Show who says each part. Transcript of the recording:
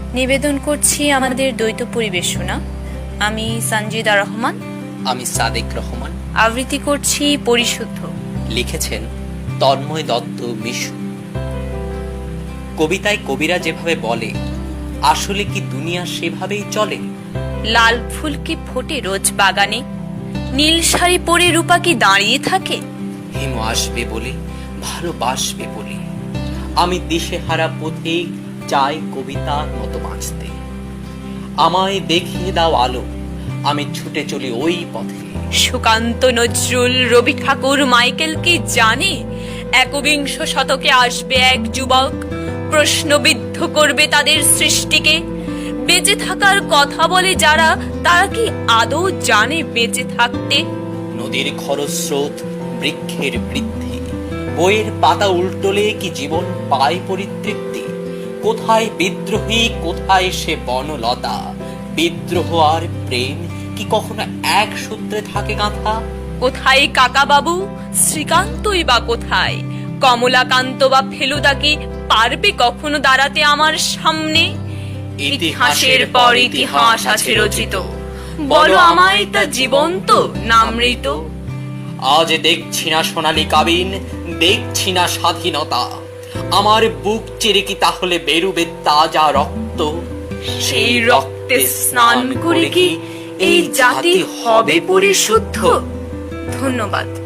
Speaker 1: নিবেদন করছি আমাদের দ্বৈত পরিবেশনা। আমি সঞ্জিদা রহমান।
Speaker 2: আমি সাদেক রহমান।
Speaker 1: আবৃত্তি করছি পরিশুদ্ধ।
Speaker 2: লিখেছেন তন্ময় দত্ত মিশু। কবিতায় কবিরা যেভাবে বলে, আসলে কি দুনিয়া সেভাবেই চলে?
Speaker 1: লাল ফুল কি ফোটে রোজ বাগানে? নীল শাড়ি পরে রূপা কি দাঁড়িয়ে থাকে?
Speaker 2: হিম আসবে বলে, ভালোবাসবে বলে আমি দিশেহারা পথে চাই কবিতার মতো বাঁচতে। আমায় দেখিয়ে দাও আলো, আমি ছুটে চলি ওই পথে।
Speaker 1: সুকান্ত, নজরুল, রবি ঠাকুর, মাইকেল কি জানে একবিংশ শতকে আসবে এক যুবক, প্রশ্নবিদ্ধ করবে তাদের সৃষ্টিকে? বেঁচে থাকার কথা বলে যারা, তারা কি আদৌ জানে বেঁচে থাকতে?
Speaker 2: নদীর খরস্রোত, বৃক্ষের বৃদ্ধি, বইয়ের পাতা উল্টোলে কি জীবন পায় পরিতৃপ্তি? কোথায় বিদ্রোহী, কোথায় সে বনলতা? বিদ্রোহ আর প্রেম কি কখনো এক সূত্রে থাকে গাঁথা?
Speaker 1: কোথায় কাকা বাবু, শ্রীকান্তই বা কোথায়? কমলাকান্ত বা ফেলুদা কি পারবে কখনো দাঁড়াতে আমার সামনে? ইতিহাসের পর ইতিহাস আছে রচিত, বলো আমায় তা জীবন্ত না মৃত?
Speaker 2: আজ দেখছি না সোনালী কাবিন, দেখছি না স্বাধীনতা। আমার বুক চিরে কি তাহলে বেরুবে তাজা রক্ত?
Speaker 1: সেই রক্তে স্নান করে কি এই জাতি হবে পরিশুদ্ধ? ধন্যবাদ।